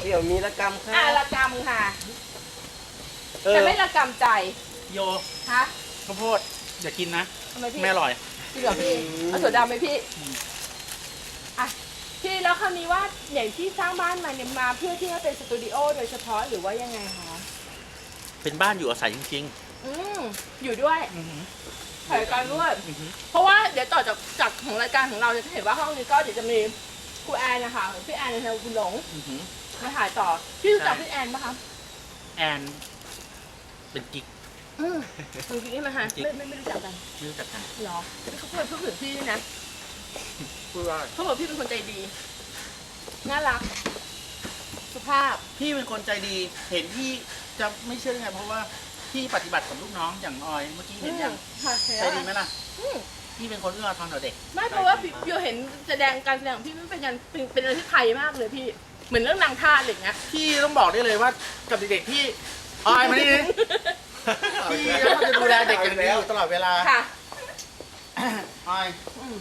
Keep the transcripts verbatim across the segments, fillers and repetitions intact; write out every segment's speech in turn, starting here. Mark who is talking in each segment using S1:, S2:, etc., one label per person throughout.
S1: เดี๋ยวมีระกรรมค่ะ
S2: อ่ะระกำค่ะแต่ไม่ระกำใจ
S3: โย
S2: ฮะ
S3: ข้าวโพดอย่ากินนะ
S2: ทำไมพี่
S3: ไม่อร่อย
S2: จริงเหรอพี่เอาถั่วดำไหมพี่อ่ะพี่แล้วคราวนี้ว่าอย่างที่สร้างบ้านมาเนี่ยมาเพื่อที่จะเป็นสตูดิโอโดยเฉพาะหรือว่ายังไงคะ
S3: เป็นบ้านอยู่อาศัยจริง
S2: อืมอยู่ด้วย
S3: ๆอือหือ
S2: ถ่ายรายการด้วย
S3: อือหือ
S2: เพราะว่าเดี๋ยวต่อจากจากของรายการของเราจะเห็นว่าห้องนี้ก็เดี๋ยวจะมีครูแอนนะคะพี่แอนในแถวคุณหลง
S3: อือหือ
S2: มาถ่ายต่อพี่รู้จัก
S3: ใช่
S2: พี่แอนปะคะ
S3: แอนเป็นกิ๊ก
S2: อืมจริงๆใช่ไหมคะ
S3: จริง
S2: ไม่ไม่ไม่รู้จักกัน
S3: ไม่รู้จักกัน
S2: หรอเขาเคยพูดถึงพี่ด้วยนะ
S3: พูดว่า
S2: เขาบอกพี่เป็นคนใจดีน่ารักสุภาพ
S3: พี่เป็นคนใจดีเห็นพี่จะไม่เชื่อได้ไงเพราะว่าพี่ปฏิบัติกับลูกน้องอย่างออยเมื่อกี้เห็นยัง
S2: ค่ะ
S3: ใจดีไหมล่ะ
S2: อืม
S3: พี่เป็นคนเอื้ออาทรต่อเด็ก
S2: ไม่เพราะว่าพี่พี่เห็นแสดงการแสดงของพี่มันเป็นการเป็นเป็นอะไรที่ไทยมากเลยพี่เหมือนเรื่องนางทาสอะไรอย่างเงี้ย
S3: พี่ต้องบอกได้เลยว่ากับเด็กๆพี่ออยมานี่ดิพี่ต้องจะดูแลเด็กอย่างนี้อยู่ตลอดเวลา
S2: ค่ะ
S3: ออย
S2: อืม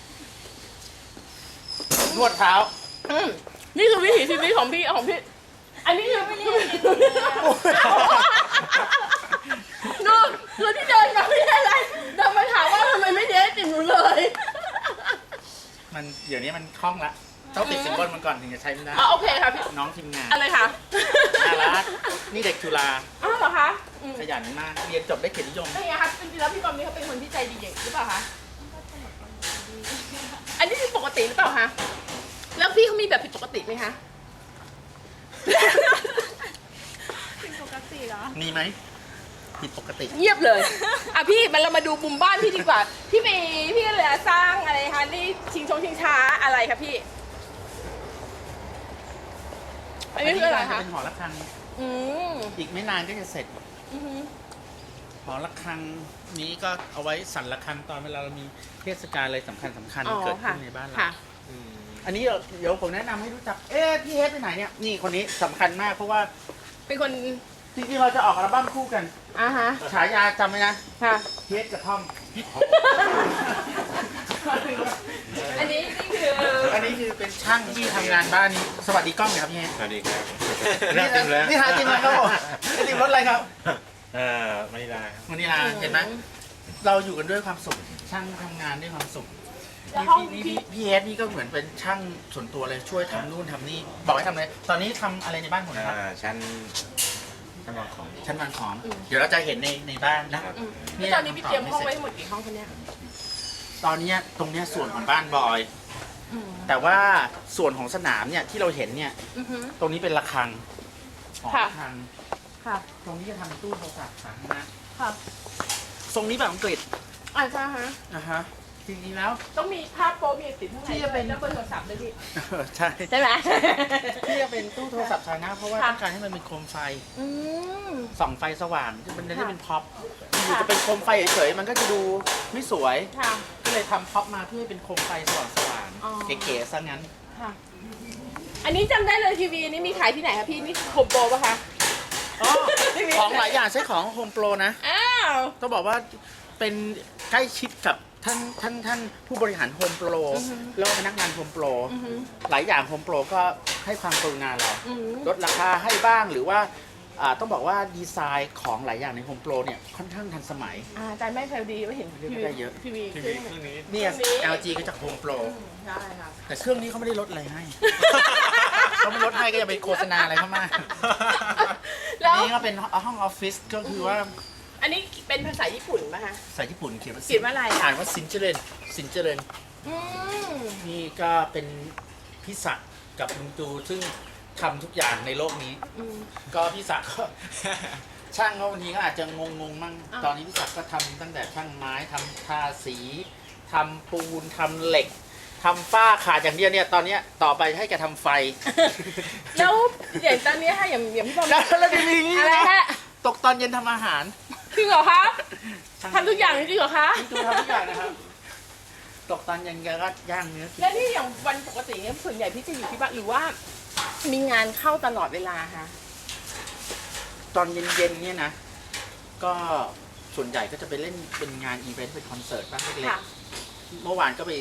S3: นวดเท้า
S2: อืมนี่คือวิถีชีวิตของพี่ของพี่ อันนี้คือไม่เรียกดูดูที่เดินมาไม่ได้อะไรเดินมาถามว่าทำไมไม่เดทติดหนูเลย
S3: มันเดี๋ยวนี้มันคล่องละต้องติดสินบนมันก่อนถึงจะใช้ไม่ได้
S2: อ๋อโอเคค่ะพี่
S3: น้องทีมงาน
S2: อะไรคะ
S3: น่ารักนี่เด็กจุฬา
S2: อ้าวเหรอคะอืม
S3: ขยันมากเรียนจบได้เกียรตินิยม
S2: เป็นไงคะจริงๆแล้วพี่บอมนี่เขาเป็นคนที่ใจดีอย่างหรือเปล่าคะอันนี้คือปกติหรือเปล่าคะแล้วพี่เขามีแบบผิดปกติไหมคะ
S4: เป็นปกติเหรอ
S3: มีไหมผิดปกติ
S2: เงียบเลย อ่ะพี่มันเรามาดูมุมบ้านพี่ดีกว่า พี่ไปพี่ก็เลยสร้างอะไรคะนี่ชิงชงชิงช้าอะไรคะพี่ อันนี้คืออะไรคะ
S3: เป็นหอระฆัง
S2: อืม
S3: อีกไม่นานก็จะเสร็จ
S2: อือหือ
S3: หอระฆังนี้ก็เอาไว้สั่นระฆังตอนเวลาเรามีเทศกาลอะไรสำคัญสำคัญๆเกิดขึ้นในบ้านเรา
S2: ค่ะ
S3: อันนี้เดี๋ยวผมแนะนำให้รู้จัก เอ๊ะพี่เฮดไปไหนเนี่ย นี่คนนี้สำคัญมากเพราะว่า
S2: เป็นคน
S3: จริงๆเราจะออกอัลบั้มคู่กัน
S2: อ่าฮะ
S3: ฉายาจำไว้นะ
S2: ค่ะ
S3: เฮดกับทอม
S2: อันนี้นี่คือ
S3: อันนี้คือเป็นช่างที่ทำงานบ้านนี้ สวัสดีกล้องหน่อยครับพี่เฮด
S5: สวัสดีครับ
S3: นี่นะนี่หาจริงแล้วครับผมนี่จริงรถอะไรครับ
S5: เอ่อมานิลาครับ
S3: วันนี้นะเห็นไหมเราอยู่กันด้วยความสุข ช่างทำงานด้วยความสุข
S2: แล้ว
S3: นี่
S2: ห้อง
S3: พี่
S2: พี่
S3: พี่พี่เฮดนี่ก็เหมือนเป็นช่างส่วนตัวเลยช่วยทำนู่นทำนี่บอกให้ทำอะไรตอนนี้ทำอะไรในบ้านผมนะครับ
S5: อ่าชั้นชั้นวางของ
S3: ชั้นวางของ เดี๋ยวเราจะเห็นในในบ้านนะ
S2: อืมแล้วตอนนี้พี่เตรียมห้องไว้ทั้งหมดกี่ห้องคะเนี่ย
S3: ตอนเนี้ยตรงเนี้ยส่วนของบ้านบอย
S2: อืม
S3: แต่ว่าส่วนของสนามเนี่ยที่เราเห็นเนี่ย
S2: อือหือ
S3: ตรงนี้เป็นระฆังหอ
S2: ค่ะ
S3: ระฆัง
S2: ค่ะ
S3: ตรงนี้จะทำตู้โทรศัพท์สาธารณะ
S2: ค่ะ
S3: ทรงนี้แบบอังกฤษ
S2: อ่าใช่ฮะ
S3: นะฮะจริงๆแล้ว
S2: ต้องมีภาพโป๊มีติดข้างใน
S3: ที่จะเป็น
S2: แล้วเบอร์โทรศัพท์ด้วยพี่
S3: เออใช่
S2: ใช่ไหม
S3: ที่จะเป็นตู้โทรศัพท์สาธารณะเพราะว่า
S2: ค่ะ
S3: ต้องการให้มันเป็นโคมไฟ
S2: อืม
S3: ส่องไฟสว่างมันจะได้
S2: ค่ะ
S3: เป็นพ็อปอยู่จะเป็นโคมไฟเฉยๆมันก็จะดูไม่สวย
S2: ค่ะ
S3: ก็เลยทำพ็อปมาเพื่อให้เป็นโคมไฟสว่าง
S2: อ๋อ
S3: ๆเก๋ๆซะงั้น
S2: ค่ะ อันนี้จำได้เลยทีวีนี้มีขายที่ไหนคะพี่นี่โฮมโปรป่ะคะ
S3: อ๋อของหลายอย่างใช้ของโฮมโปรนะ
S2: อ้าว
S3: ต้องบอกว่าเป็นใกล้ชิดกับท่านท่านท่านผู้บริหารโฮมโปรแล้วก็พนักงานโฮมโปร
S2: อือหือ
S3: หลายอย่างโฮมโปรก็ให้ความกรุณาเรา
S2: อือหือ
S3: ลดราคาให้บ้างหรือว่าอ่าต้องบอกว่าดีไซน์ของหลายอย่างในโฮมโปรเนี่ยค่อนข้างทันสมัย
S2: อ่าอาจารย์ไม่เคยดีว่าเห็น
S3: เรียกได้เยอะ
S2: ทีวี
S5: ที
S2: เครื่
S5: วี
S2: อง
S5: เครื่องนี้
S3: เนี่ย
S2: เครื่องนี้
S3: แอล จี ก็จากโฮมโปร
S2: อืมใช่ค่ะ
S3: แต่เครื่องนี้เขาไม่ได้ลดอะไรให้ เขาไม่ลดให้ก็อย่าไปโฆษณาอะไรเข้ามา
S2: แล้ว
S3: อันนี้ก็เป็นห้องออฟฟิศก็คือว่า
S2: อันนี้เป็นภาษาญี่ปุ่นป่ะคะ
S3: ภาษาญี่ปุ่นเขียนว่า
S2: เขียนว่าอะไรอ่ะ
S3: อ่านว่าซินเจเรนซินเจเรน
S2: อืม
S3: นี่ก็เป็นพี่ศักดิ์กับลุงจูซึ่งทำทุกอย่างในโลกนี้
S2: อืม
S3: ก็พี่ศักดิ์ก็ ช่างเขาบางทีก็อาจจะงงงๆมั่ง
S2: อ่า
S3: ตอนนี้พี่ศักดิ์ก็ทำตั้งแต่ช่างไม้ทำทาสีทำปูนทำเหล็กทำฝ้าขาดอย่างเดียวเนี่ยตอนเนี้ยต่อไปให้แกทำไฟ
S2: แล้วอย่างตอนนี้ค่ะอย่างอย่างพี่บอม
S3: แล้วแล้วดีๆนี่
S2: อะไร
S3: นะ
S2: ฮะ
S3: ตกตอนเย็นทำอาหาร
S2: จริงเหรอคะ
S3: ช่าง
S2: ทำทุกอย่างจริงเหรอคะ
S3: ดูทำทุกอย่างนะครับ ตกตอนเย็นแกก็ย่างเนื้อกิน
S2: แล้วนี่อย่างวันปกติเนี่ยส่วนใหญ่พี่จะอยู่ที่บ้านหรือว่า มีงานเข้าตลอดเวลาคะ
S3: ตอนเย็นๆเนี่ยนะ ก็ส่วนใหญ่ก็จะไปเล่นเป็นงานอีเวนต์เป็นคอนเสิร์ตบ้างเล็ก
S2: ค่ะ
S3: ๆเมื่อวานก็ไป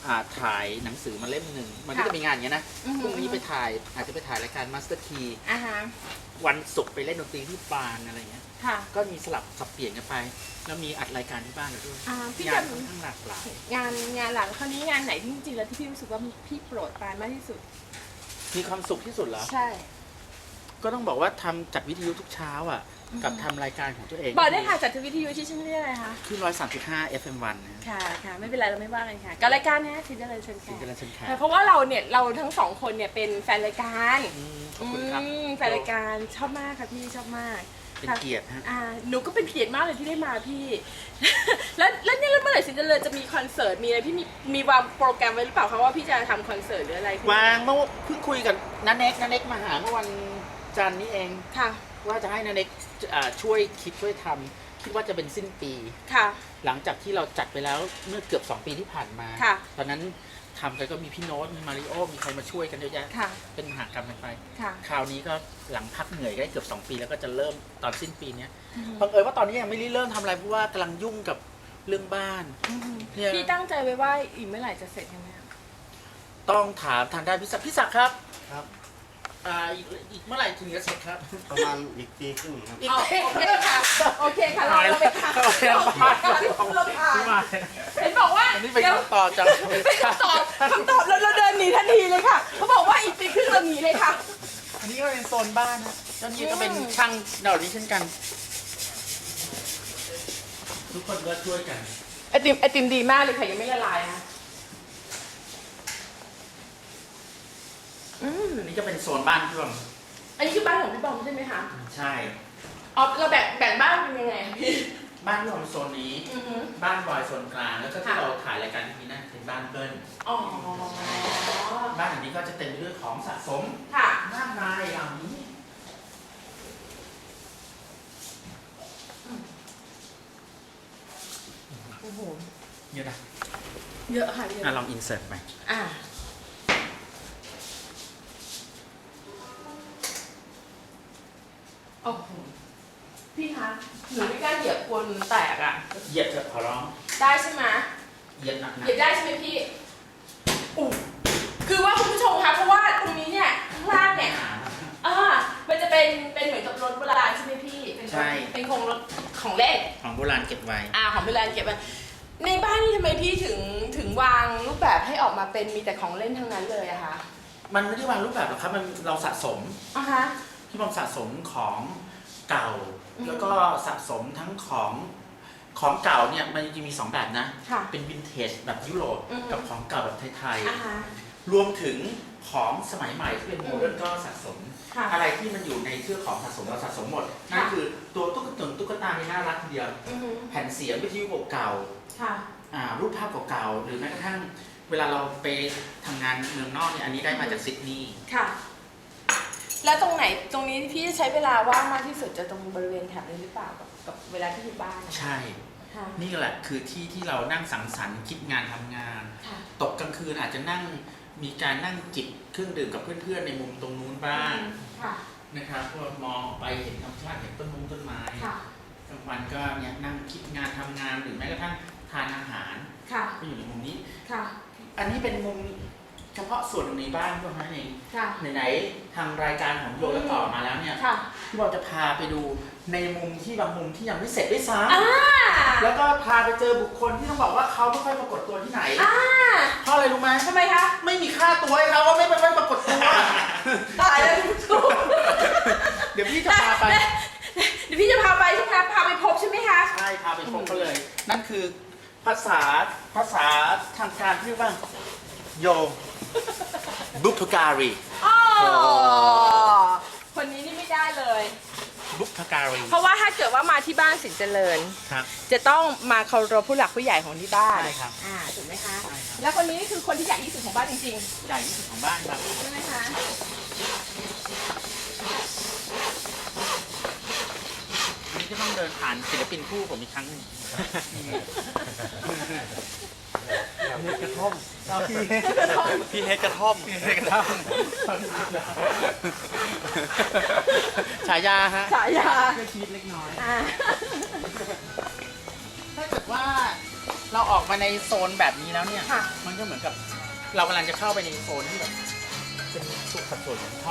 S3: อ่าถ่ายหนังสือมาเล่มหนึ่งมันก็
S2: ค่ะ
S3: จะมีงานอย่างเงี้ยนะ
S2: อือฮึ
S3: พรุ่งนี้ไปถ่ายอาจจะไปถ่ายรายการมาสเตอร์คี
S2: อ่าฮะ
S3: วันศุกร์ไปเล่นดนตรีที่ปานอะไรเงี้ย
S2: ค่ะ
S3: ก็มีสลับสับเปลี่ยนกันไป แล้วมีอัดรายการที่บ้านเราด้วย
S2: อ่าพี่
S3: งาน
S2: จำ
S3: ค่อนข้างหลากหลาย
S2: งานงานหลังคราวนี้งานไหนที่จริงๆแล้วที่พี่รู้สึกว่าพี่โปรดปรานมากที่สุด
S3: มีความสุขที่สุดเหรอ
S2: ใช่
S3: ก็ต้องบอกว่าทำจัดวิทยุทุกเช้าอ่ะ กับทำรายการของตัวเอง
S2: บอกได้ค่ะจัดทวิทยุที่ชื่อเรียกอะไรคะ
S3: ขึ้นร้อยสามสิบห้า เอฟ เอ็ม วันนะ
S2: ค่ะค่ะไม่เป็นไรเราไม่ว่ากันค่ะกับรายการนะสินเจริญเชิญ
S3: สิ
S2: ค่ะ
S3: งเจริญเชิญแขก
S2: เพราะว่าเราเนี่ยเราทั้งสองคนเนี่ยเป็นแฟนรายการ
S3: อืมขอบคุณครับ
S2: อืมแฟนรายการชอบมากค่ะพี่ชอบมาก
S3: เป็นเกียรติฮะ
S2: อ่าหนูก็เป็นเกียรติมากเลยที่ได้มาพี่ แล้วแล้วเนี่ยเมื่อไหร่สินเจริญจะมีคอนเสิร์ตมีอะไรพี่มีมีวางโปรแกรมไว้หรือเปล่าคะว่าพี่จะทำคอนเสิร์ตหรืออะไรขึ้น
S3: วางเมื่อเพิ่งคุยกับนันเน็กนันเน็กมาหาเมื่อวันจันทร์นี้เอง
S2: ค่ะ
S3: ว่าจะให้นันเน็กอ่าช่วยคิดช่วยทำคิดว่าจะเป็นสิ้นปี
S2: ค่ะ
S3: หลังจากที่เราจัดไปแล้วเมื่อเกือบสองปีที่ผ่านมา
S2: ค่ะ
S3: ตอนนั้นทำกันก็มีพี่โน้ตมีมาริโอมีใครมาช่วยกันเยอะแยะ
S2: ค่ะ
S3: เป็นมหากรรมกันไป
S2: ค่ะ
S3: คราวนี้ก็หลังพักเหนื่อยได้เกือบสองปีแล้วก็จะเริ่มตอนสิ้นปีเนี้ย
S2: อืม
S3: บังเอิญว่าตอนนี้ยังไม่ได้เริ่มทำอะไรเพราะว่ากำลังยุ่งกับเรื่องบ้าน
S2: อืม
S3: เนี่ย
S2: พี่ตั้งใจไว้ว่าอีกเมื่อไหร่จะเสร็จยังไงอะ
S3: ต้องถามทางด้านพิศักดิ์พิศักดิ์ครับ
S5: ครับ
S3: อ่าอีกอีกเมื่อไหร่ถึงจะเสร็จครับ
S5: ประมาณอีกปีครึ่งครับ
S3: อีก
S2: อ๋อโอเคค่ะโอเคค่ะเราเราไปค่ะ
S3: โอเคเราผ่าน
S2: เราผ่าน
S3: ที่มา
S2: เห็นบอกว่า
S3: อันนี้เป็น
S2: เดี๋ยว
S3: คำตอบจาก
S2: เป็นคำตอบคำตอบแล้วเราเดินหนีทันทีเลยค่ะเขาบอกว่าอีกปีครึ่งเราหนีเลยค่ะ
S3: อันนี้ก็เป็นโซนบ้านนะแล้วนี่ก็เป็นช่างเหล่านี้เช่นกัน ทุกคนก็ช่วยกัน
S2: ไอติมไอติมดีมากเลยค่ะยังไม่ละลายนะอืม
S3: อันนี้ก็เป็นโซนบ้านพี่บอม
S2: อันนี้คือบ้านของพี่บอมใช่ไหมคะ
S3: ใช่
S2: อ๋อเราแบ่งแบ่งบ้านเป็นยังไงอะพี่
S3: บ้านพี่บอมโซนนี้
S2: อือฮึ
S3: บ้านบอยโซนกลาง แล้วก็ที่
S2: ค่ะ
S3: เราถ่ายรายการที่นี่นะเป็นบ้านเบิ้ล
S2: อ๋อ
S3: บ้านอันนี้ก็จะเต็มไปด้วยของสะสม
S2: ค่ะ
S3: มากมายเหล่านี้
S2: โอ้โห
S3: เยอะนะ
S2: เยอะค่ะเยอะ
S3: อ่ะลองอินเสิร์ตไป
S2: อ่าโอ้โหพี่คะหนูไม่กล้าเหยียบกลัวหนูแตกอ่ะ
S3: เหยียบเถอะขอร้อง
S2: ได้ใช่ไหม
S3: เหยียบหนัก
S2: เหยียบได้ใช่ไหมพี่อู้คือว่าคุณผู้ชมคะเพราะว่าตรงนี้เนี่ยข้างล่างเนี่ย
S3: ๆ
S2: อ่ามันจะเป็นเป็นเหมือนกับรถโบราณใช่ไหมพี่เป็นรถ
S3: ใช่
S2: เป็นโครงรถของเล่น
S3: ของโบราณเก็บไว้
S2: อ่าของโบราณเก็บไว้ในบ้านนี่ทำไมพี่ถึงถึงวางรูปแบบให้ออกมาเป็นมีแต่ของเล่นทั้งนั้นเลยอะคะ
S3: มันไม่ได้วางรูปแบบหรอกครับ มันเราสะสม
S2: อ่ะฮะ
S3: พี่บอมสะสมของเก่า
S2: อืม
S3: แล้วก็สะสมทั้งของของเก่าเนี่ยมันจริงๆมีสองแบบนะ
S2: ค่ะ
S3: เป็นวินเทจแบบยุโรป
S2: อืม
S3: กับของเก่าแบบไทย
S2: อ่ะฮะ
S3: ๆ รวมถึงของสมัยใหม่ที่เป็นโมเดิร์นก็สะสม
S2: ค่ะ
S3: อะไรที่มันอยู่ในเครือของสะสมเราสะสมหมด นั่นคือตัวตุ๊กตาตุ๊กตาในน่ารักทีเดียว
S2: อือฮึ
S3: แผ่นเสียงวิทยุเก่า
S2: ค่ะ
S3: ๆอ่ารูปภาพเก่าๆ หรือแม้กระทั่งเวลาเราไปทำงานเมืองนอกเนี่ย อันนี้ได้มาจากซิดนีย์
S2: ค่ะ แล้วตรงไหนตรงนี้พี่จะใช้เวลาว่างมากที่สุดจะตรงบริเวณแถบนี้หรือเปล่ากับกับเวลาที่อยู่บ้านอะ
S3: ใช่
S2: ค่ะ
S3: นี่แหละคือที่ที่เรานั่งสังสรรค์คิดงานทำงาน
S2: ค่ะ
S3: ตกกลางคืนอาจจะนั่งมีการนั่งจิบเครื่องดื่มกับเพื่อนๆในมุมตรงนู้นบ้าง
S2: ค่ะ
S3: นะครับก็มองออกไปเห็นธรรมชาติเห็นต้นมงต้นไม้
S2: ค่ะ
S3: กลางวันก็เนี่ยนั่งคิดงานทำงานหรือแม้กระทั่งทานอาหาร
S2: ค่ะ
S3: ก็อยู่ในมุมนี้
S2: ค่ะ
S3: อันนี้เป็นมุมเฉพาะส่วนหนึ่งในบ้านเท่านั้นเอง
S2: ค่ะ
S3: ไหนๆทางรายการของโยและต่อมาแล้วเนี่ย
S2: ค่ะ
S3: พี่บอลจะพาไปดูในมุมที่บางมุมที่ยังไม่เสร็จด้วยซ้
S2: อ่า
S3: ำแล้วก็พาไปเจอบุคคลที่ต้องบอกว่าเขาไม่ค่อยปรากฏตัวที่ไหน
S2: อ่า
S3: เพราะอะไรรู้ไหม
S2: ทำไมคะ
S3: ไม่มีค่าตัวให้เขาว่าไม่ไม่ปรากฏตัว
S2: ตายแล้วคุณผู้ชม
S3: เดี๋ยวพี่จะพาไป
S2: เดี๋ยวพี่จะพาไปใช่ไหมคะพาไปพบใช่ไหมคะ
S3: ใช่พาไปพบเขาเลย นั่นคือภาษาภาษาทางการที่เรียกว่าโยบุพการี
S2: อ๋อ คนนี้นี่ไม่ได้เลย
S3: บุพการี
S2: เพราะว่าถ้าเกิดว่ามาที่บ้านสินเจริญ
S3: ครับ
S2: จะต้องมาเคารพผู้หลักผู้ใหญ่ของที่บ้าน
S3: ใช่ครับ
S2: อ่าถูกไหมคะ
S3: ใช่ครับ
S2: แล้วคนนี้คือคนที่ใหญ่ที่สุดของบ้านจริง
S3: ใหญ่ที่สุดของบ้านครับ
S2: ๆใช่ไหมคะ
S3: อันนี้จะต้องเดินผ่านศิลปินคู่ผมอีกครั้งหนึง
S5: เฮ็ดกระท่อม
S3: เอาพี่
S5: พี่เฮ็ดกระท่อม
S3: เฮ็ดกระท่อมฉายาฮะ
S2: ฉายา
S3: ก็ชีวิตเล็กน้อย
S2: อ่า
S3: ถ้าเกิดว่าเราออกมาในโซนแบบนี้แล้วเนี่ย
S2: ค่ะ
S3: มันมันก็เหมือนกับ เรากำลังจะเข้าไปในโซนที่แบบเป็นสุขสัดส่วนของ